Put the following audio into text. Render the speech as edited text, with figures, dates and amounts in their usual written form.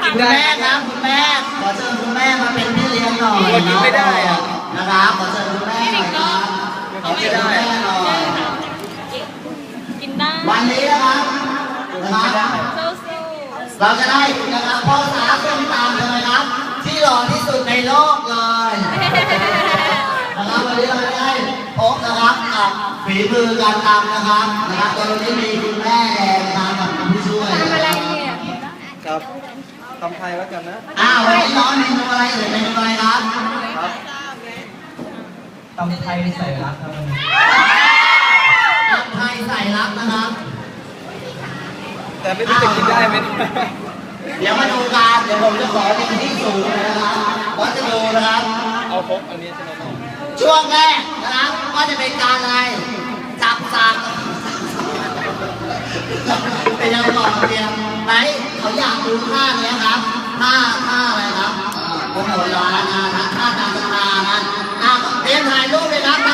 คุณแม่ครับคุณแม่ขอเชิญคุณแม่มาเป็นพี่เลี้ยงหน่อยกินไม่ได้อะนะครับขอเชิญคุณแม่หน่อยครับไม่ได้ขอเชิญคุณแม่หน่อยกินได้วันนี้นะครับเราจะได้นะครับพ่อสาวส้มตำเลยครับที่หล่อที่สุดในโลกเลยนะครับวันนี้เราจะได้พบนะครับกับฝีมือการตำนะครับโดยที่มีคุณแม่แดงนะครับกับผู้ช่วยทำอะไรเนี่ยครับตำไทยแล้วกันนะวันนี้น้องเมนูอะไรเมนูอะไรครับครับตำไทยใส่รักครับตำไทยใส่รักนะครับแต่ไม่รู้จะกินได้ไหมเดี๋ยวมาดูกันเดี๋ยวผมจะขอเป็นที่สูงเลยนะครับวัดจะดูนะครับเอาครบอันนี้ใช่ไหมน้องช่วงแรกนะครับก็จะเป็นการอะไรจับสักเป็นยังต่อเตรียมไหนเขาอยากดูท่าเนี้ยครับท่าอะไรครับโอ้โหร้อนนะท่าตามตานะเตรียมถ่ายรูปเลยครับ